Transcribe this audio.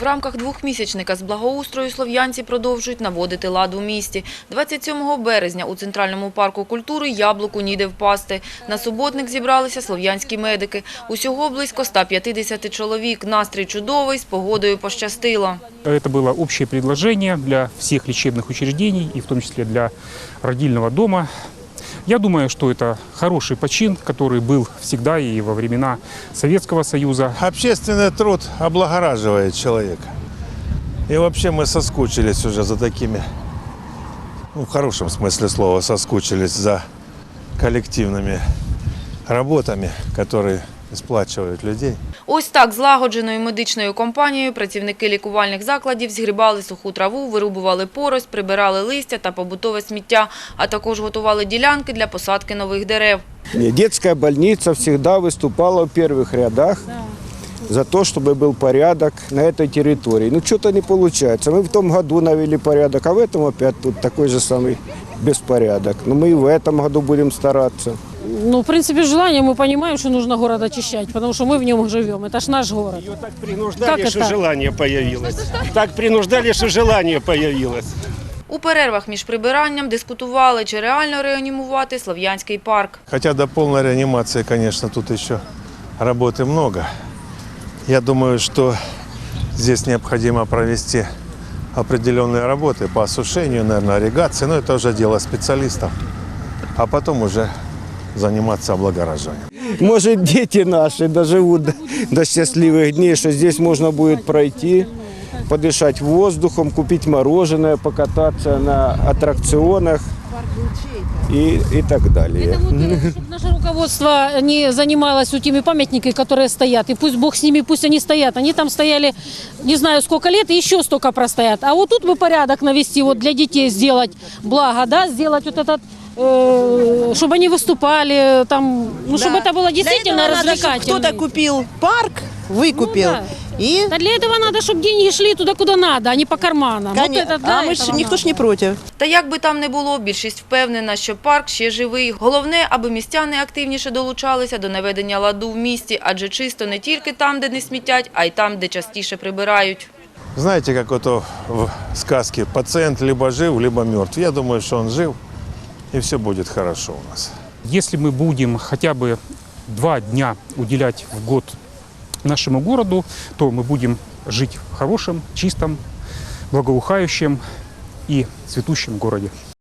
В рамках двохмісячника з благоустрою слов'янці продовжують наводити лад у місті. 27 березня у Центральному парку культури яблуку ніде впасти. На суботник зібралися слов'янські медики. Усього близько 150 чоловік. Настрій чудовий, з погодою пощастило. Это было общее предложение для всех лечебных учреждений, и в том числе для родильного дома. Я думаю, что это хороший почин, который был всегда и во времена Советского Союза. Общественный труд облагораживает человека. И вообще мы соскучились уже за такими, в хорошем смысле слова, соскучились за коллективными работами, которые сплачивають людей. Ось так злагодженою медичною компанією працівники лікувальних закладів згрібали суху траву, вирубували поросль, прибирали листя та побутове сміття, а також готували ділянки для посадки нових дерев. Детская больница всегда выступала в первых рядах за то, чтобы был порядок на этой территории. Ну, что-то не получается. Мы в том году навели порядок, а в этом опять тут такой же самый беспорядок. Но мы и в этом году будем стараться. Ну, в принципе, желание, мы понимаем, что нужно город очищать, потому что мы в нем живем. Это ж наш город. Ее так принуждали, что желание появилось. Так принуждали, что желание появилось. У перервах між прибиранням дискутували, чи реально реанімувати Слов'янський парк. Хотя до полной реанимации, конечно, тут еще работы много. Я думаю, что здесь необходимо провести определенные работы по осушению, наверное, ирригации. Но это уже дело специалистов. А потом уже заниматься облагораживанием. Может, дети наши доживут до счастливых дней, что здесь можно будет пройти, подышать воздухом, купить мороженое, покататься на аттракционах и так далее. Чтобы наше руководство не занималось теми памятниками, которые стоят. И пусть Бог с ними, пусть они стоят. Они там стояли не знаю сколько лет и еще столько простоят. А вот тут бы порядок навести, вот для детей сделать благо, да, сделать вот этот, чтобы они выступали, там, ну, чтобы это было действительно развлекательно. Кто-то купил парк, выкупил. Ну, да. И Да для этого надо, чтобы деньги шли туда, куда надо, а не по карманам. Вот это, а мы ж, никто ж не против. Та як би там не було, більшість впевнена, що парк ще живий. Головне, аби містяни активніше долучалися до наведення ладу в місті, адже чисто не тільки там, де не смітять, а й там, де частіше прибирають. Знаете, как вот в сказке пациент либо жив, либо мертв. Я думаю, что он жив, и все будет хорошо у нас. Если мы будем хотя бы 2 дня уделять в год нашему городу, то мы будем жить в хорошем, чистом, благоухающем и цветущем городе.